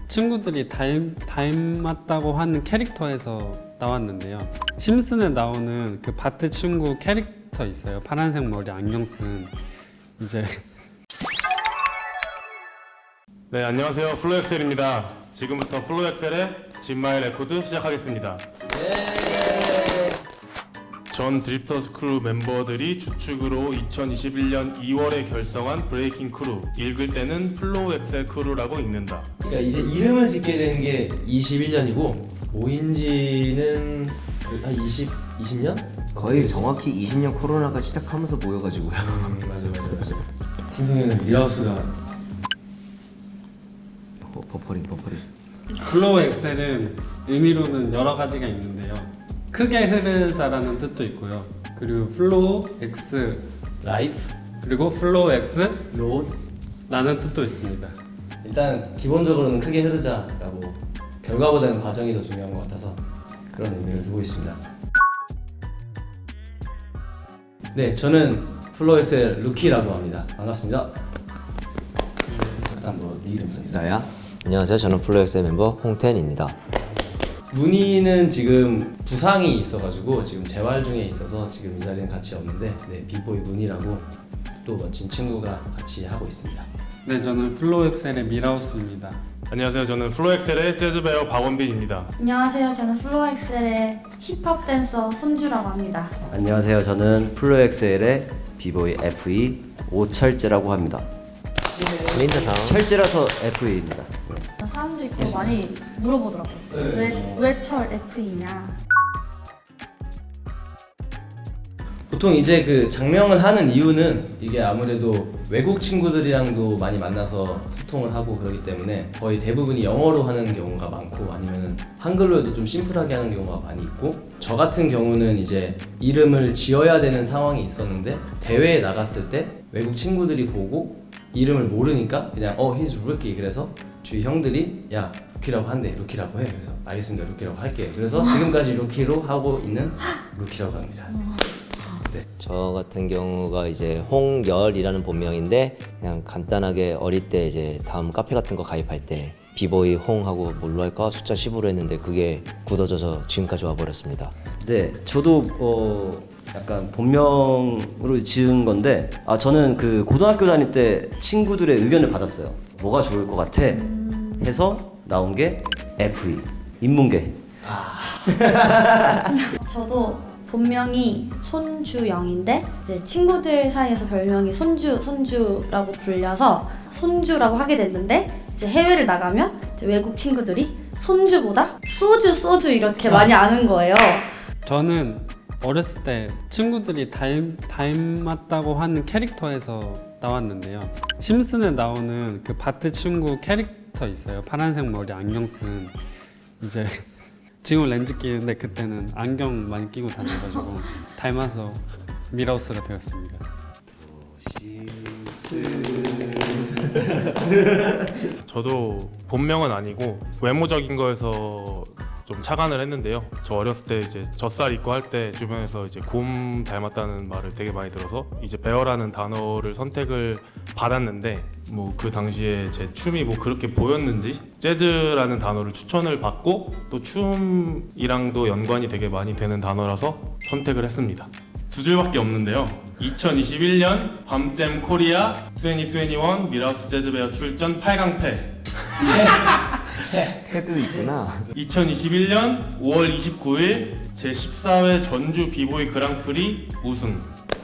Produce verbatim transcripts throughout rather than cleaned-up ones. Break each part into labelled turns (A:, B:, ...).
A: 친구들이 닮, 닮았다고 하는 캐릭터에서 나왔는데요. 심슨에 나오는 그 바트 친구 캐릭터 있어요. 파란색 머리 안경 쓴 이제
B: 네, 안녕하세요. 플로엑셀입니다. 지금부터 플로엑셀의 진마의 레코드 시작하겠습니다. 전 드립터스 크루 멤버들이 주축으로 이천이십일 년 이월에 결성한 브레이킹 크루, 읽을 때는 플로엑셀 크루라고 읽는다.
C: 그러니까 이제 이름을 짓게 된 게 이십일 년이고 모인 지는 한 이십, 이십 년?
D: 거의 정확히 이십 년 코로나가 시작하면서 모여가지고요.
C: 음, 맞아 맞아 맞아. 팀성에는 밀하우스가
D: 버, 버퍼링 버퍼링.
A: 플로우 엑셀은 의미로는 여러 가지가 있는데요. 크게 흐르자라는 뜻도 있고요. 그리고 플로우 엑스
C: 라이프,
A: 그리고 플로우 엑스
C: 로드.
A: 라는 뜻도 있습니다.
C: 일단 기본적으로는 크게 흐르자라고 결과보다는 과정이 더 중요한 것 같아서 그런 의미를 두고 있습니다. 네, 저는 플로엑셀 루키라고 합니다. 반갑습니다. 잠깐 너네 이름 써 있어.
D: 나야? 안녕하세요. 저는 플로엑스의 멤버 홍텐입니다.
C: 문희는 지금 부상이 있어가지고 지금 재활 중에 있어서 지금 이 자리는 같이 없는데 네, 빅보이 문희라고 또 멋진 친구가 같이 하고 있습니다.
A: 네, 저는 플로우 엑셀의 밀하우스입니다.
B: 안녕하세요. 저는 플로엑셀의 재즈베어 박원빈입니다.
E: 안녕하세요. 저는 플로엑셀의 힙합 댄서 손주라고 합니다.
F: 안녕하세요. 저는 플로엑셀의 비보이 에프이 오철재라고 합니다.
D: 민트상.
F: 철재라서 에프이입니다.
E: 사람들이 그거 많이 물어보더라고요. 왜, 왜 철 에프이냐?
C: 보통 이제 그 장명을 하는 이유는 이게 아무래도 외국 친구들이랑도 많이 만나서 소통을 하고 그러기 때문에 거의 대부분이 영어로 하는 경우가 많고 아니면은 한글로 해도 좀 심플하게 하는 경우가 많이 있고 저 같은 경우는 이제 이름을 지어야 되는 상황이 있었는데 대회에 나갔을 때 외국 친구들이 보고 이름을 모르니까 그냥 어 he's rookie 그래서 주위 형들이 야 루키라고 한대 루키라고 해 그래서 알겠습니다 루키라고 할게 그래서 지금까지 루키로 하고 있는 루키라고 합니다.
D: 저 같은 경우가 이제 홍열이라는 본명인데 그냥 간단하게 어릴 때 이제 다음 카페 같은 거 가입할 때 비보이 홍하고 뭘로 할까 숫자 십으로 했는데 그게 굳어져서 지금까지 와버렸습니다.
F: 네, 저도 어 약간 본명으로 지은 건데 아 저는 그 고등학교 다닐 때 친구들의 의견을 받았어요. 뭐가 좋을 것 같아? 해서 나온 게 에프이 인문계.
E: 저도 본명이 손주영인데 이제 친구들 사이에서 별명이 손주 손주라고 불려서 손주라고 하게 됐는데 이제 해외를 나가면 이제 외국 친구들이 손주보다 소주 소주 이렇게 많이 아는 거예요.
A: 저는 어렸을 때 친구들이 닮, 닮았다고 하는 캐릭터에서 나왔는데요. 심슨에 나오는 그 바트 친구 캐릭터 있어요. 파란색 머리 안경 쓴 이제 지금 렌즈 끼는데 그때는 안경 많이 끼고 다녀가지고 닮아서 밀하우스가 되었습니다.
B: 저도 본명은 아니고 외모적인 거에서 좀 착안을 했는데요. 저 어렸을 때 이제 젖살 입고 할 때 주변에서 이제 곰 닮았다는 말을 되게 많이 들어서 이제 베어라는 단어를 선택을 받았는데 뭐 그 당시에 제 춤이 뭐 그렇게 보였는지 재즈라는 단어를 추천을 받고 또 춤이랑도 연관이 되게 많이 되는 단어라서 선택을 했습니다. 두 줄밖에 없는데요. 이천이십일 년 밤잼 코리아 이천이십일 밀하우스 재즈베어 출전 팔 강패.
D: 패도 있구나.
B: 이천이십일 년 오월 이십구일 제십사 회 전주 비보이 그랑프리 우승.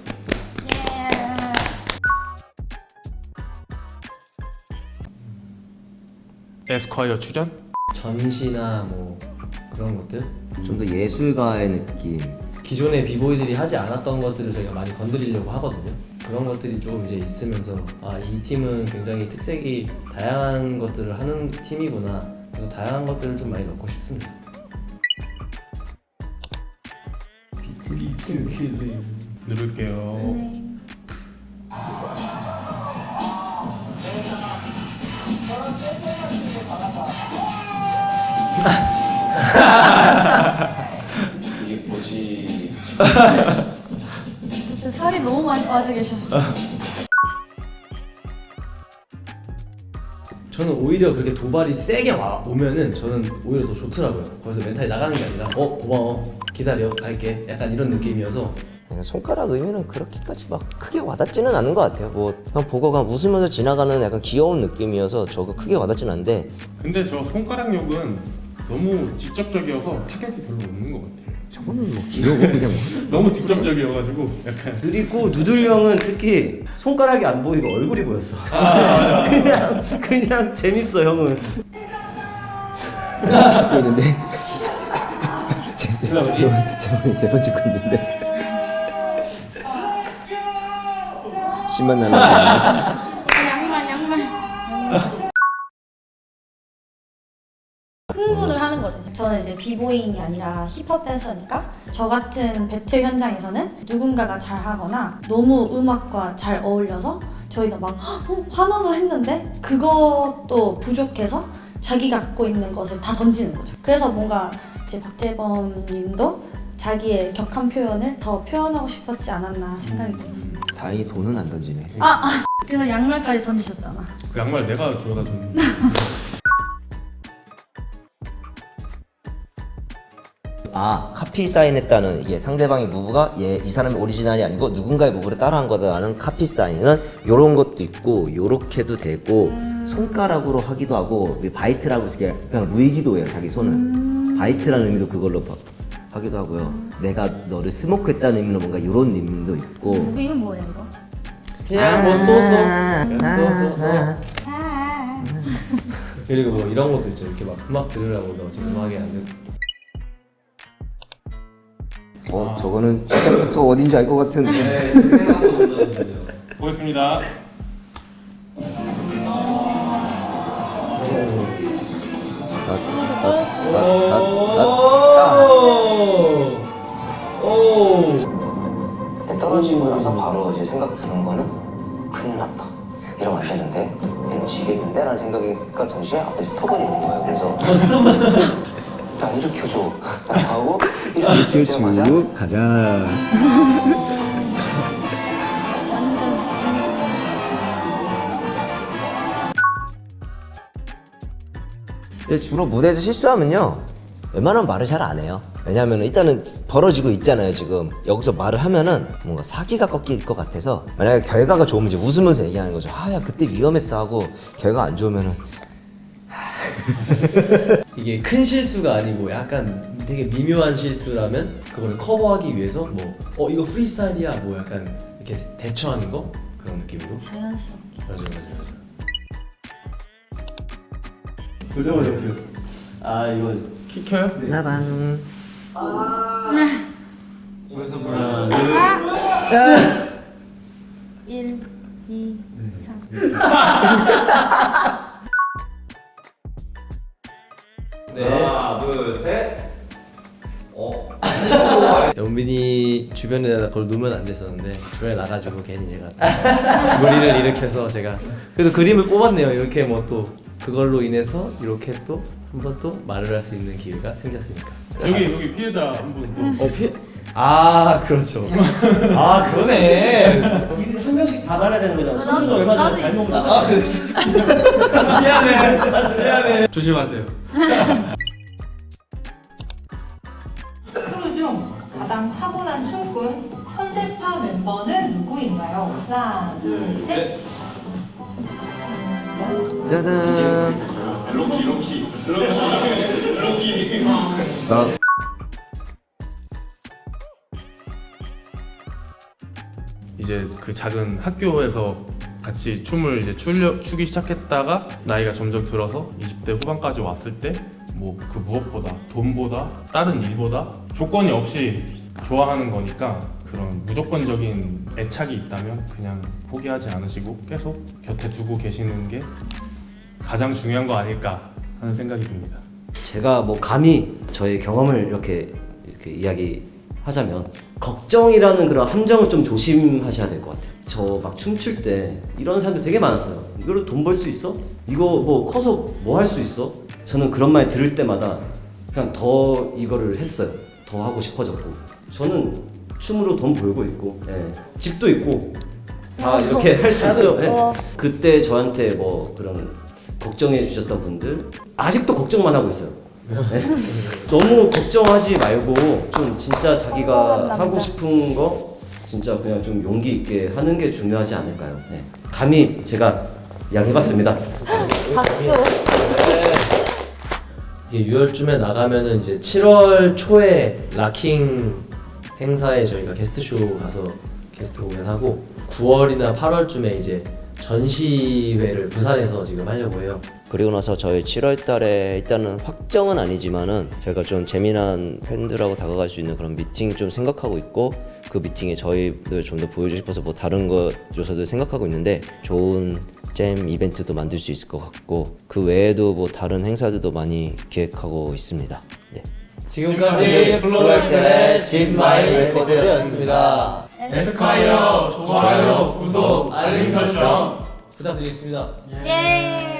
B: 에스콰이어 출연?
C: 전시나 뭐 그런 것들
D: 좀 더 예술가의 느낌.
C: 기존의 비보이들이 하지 않았던 것들을 저희가 많이 건드리려고 하거든요. 그런 것들이 조금 이제 있으면서 아 이 팀은 굉장히 특색이 다양한 것들을 하는 팀이구나. 그래서 다양한 것들을 좀 많이 넣고 싶습니다.
B: 누를게요.
E: 네.
C: 이게 뭐지?
E: 진짜 살이 너무 많이 빠져 계셔.
C: 저는 오히려 그렇게 도발이 세게 와 오면은 저는 오히려 더 좋더라고요. 거기서 멘탈이 나가는 게 아니라 어 고마워 기다려 갈게 약간 이런 느낌이어서.
D: 그냥 손가락 의미는 그렇게까지 막 크게 와닿지는 않은 것 같아요. 뭐 그냥 보고 그냥 웃으면서 지나가는 약간 귀여운 느낌이어서 저거 크게 와닿지는 않는데
B: 근데 저 손가락 욕은 너무 직접적이어서 타격이 별로 없는 것 같아요.
D: 저거는 뭐 귀여워 그냥 뭐.
B: 너무 직접적이어가지고 약간
F: 그리고 누들 형은 특히 손가락이 안 보이고 얼굴이 보였어. 그냥 그냥 재밌어 형은.
D: 찍고 있는데 제목이 제목이 대본 찍고 있는데 심만 나는
E: 양말 양말. 흥분을 하는 거죠. 저는 이제 비보잉이 아니라 힙합 댄서니까 저 같은 배틀 현장에서는 누군가가 잘 하거나 너무 음악과 잘 어울려서 저희가 막 어, 환호도 했는데 그것도 부족해서 자기가 갖고 있는 것을 다 던지는 거죠. 그래서 뭔가 이제 박재범 님도 자기의 격한 표현을 더 표현하고 싶었지 않았나 생각이 들었습니다.
D: 다행히 돈은 안 던지네.
E: 그래서 양말까지 던지셨잖아.
B: 그 양말 내가 주워다 줬는데.
D: 아 카피 사인했다는 이게 상대방의 무브가 얘 이 사람의 오리지널이 아니고 누군가의 무브를 따라한 거다라는 카피 사인은 요런 것도 있고 요렇게도 되고 손가락으로 하기도 하고 바이트라고 해서 그냥 루이기도 해요 자기 손을. 바이트라는 의미도 그걸로 바, 하기도 하고요. 내가 너를 스모크했다는 의미로 뭔가 요런 의미도 있고.
E: 이건 뭐예요 이거?
C: 그냥 뭐 쏘쏘 그냥 쏘쏘. 그리고 뭐 이런 것도 있죠. 이렇게 막 음악 들으라고 너 지금 음악이 안 듣고.
D: 어 저거는 시작부터 어딘지 알 것 같은.
C: 네, 생각한 거 눌러주세요.
B: 보겠습니다.
D: 떨어지고 나서 바로 이제 생각 드는 거는 큰일 났다. 이러면 안 되는데 이러면 지겠는데 라는 생각과 동시에 앞에 스톱은 있는 거예요. 그래서 나 일으켜줘 하고 일으키자마자
G: 가자.
D: 근데 주로 무대에서 실수하면요 웬만하면 말을 잘 안 해요. 왜냐하면 일단은 벌어지고 있잖아요. 지금 여기서 말을 하면은 뭔가 사기가 꺾일 것 같아서 만약에 결과가 좋으면 이제 웃으면서 얘기하는 거죠. 아 야 그때 위험했어 하고 결과 안 좋으면은
C: 이게 큰 실수가 아니고 약간 되게 미묘한 실수라면 그걸 커버하기 위해서 뭐 어 이거 프리스타일이야 뭐 약간 이렇게 대처하는 거 그런 느낌으로.
E: 자연스럽게.
C: 맞아 맞아 맞아.
F: 보자마자 웃겨. 아 이거
B: 키 켜요?
D: 나방
B: 그래서
C: 하나 둘.
E: 일, 이, 삼.
C: 네. 하나 둘 셋. 어. 연빈이 주변에 그걸 놓으면 안 됐었는데 주변에 나가지고 괜히 제가 무리를 일으켜서 제가 그래도 그림을 뽑았네요. 이렇게 뭐 또 그걸로 인해서 이렇게 또 한 번 또 말을 할 수 있는 기회가 생겼으니까.
B: 여기 여기 피해자 한 분 또.
C: 어 피. 아 그렇죠. 아 그러네.
F: 한 명씩 다 달아야 되는 거잖아. 손주도 얼마 전에 발목 나가.
C: 아 그래. 미안해. 미안해.
A: 조심하세요.
H: 크루 중 가장 타고난 춤꾼 천재파 멤버는 누구인가요? 하나, 둘, 셋.
D: 짜잔.
B: 롱키 롱키 롱키
D: 나
B: 이제 그 작은 학교에서 같이 춤을 이제 추려, 추기 시작했다가 나이가 점점 들어서 이십 대 후반까지 왔을 때 뭐 그 무엇보다 돈보다 다른 일보다 조건이 없이 좋아하는 거니까 그런 무조건적인 애착이 있다면 그냥 포기하지 않으시고 계속 곁에 두고 계시는 게 가장 중요한 거 아닐까 하는 생각이 듭니다.
F: 제가 뭐 감히 저의 경험을 이렇게 이렇게 이야기하자면 걱정이라는 그런 함정을 좀 조심하셔야 될 것 같아요. 저 막 춤출 때 이런 사람들 되게 많았어요. 이걸로 돈 벌 수 있어? 이거 뭐 커서 뭐 할 수 있어? 저는 그런 말 들을 때마다 그냥 더 이거를 했어요. 더 하고 싶어졌고 저는 춤으로 돈 벌고 있고 예. 집도 있고 다 이렇게 할 수 있어요. 예. 그때 저한테 뭐 그런 걱정해 주셨던 분들 아직도 걱정만 하고 있어요. 네. 너무 걱정하지 말고 좀 진짜 자기가 하고 싶은 거 진짜 그냥 좀 용기 있게 하는 게 중요하지 않을까요? 네. 감히 제가 이야기해봤습니다.
E: 박수.
C: 이게 유월쯤에 나가면은 이제 칠월 초에 락킹 행사에 저희가 게스트쇼 가서 게스트 공연하고 구월이나 팔월쯤에 이제 전시회를 부산에서 지금 하려고 해요.
D: 그리고 나서 저희 칠월 달에 일단은 확정은 아니지만은 저희가 좀 재미난 팬들하고 다가갈 수 있는 그런 미팅 좀 생각하고 있고 그 미팅에 저희들 좀 더 보여주고 싶어서 뭐 다른 것 요소들 생각하고 있는데 좋은 잼 이벤트도 만들 수 있을 것 같고 그 외에도 뭐 다른 행사들도 많이 기획하고 있습니다. 네.
C: 지금까지 블루엑셀의 진마이 레코드였습니다.
H: 에스콰이어
C: 좋아요, 구독, 알림 설정 부탁드리겠습니다.
E: 예.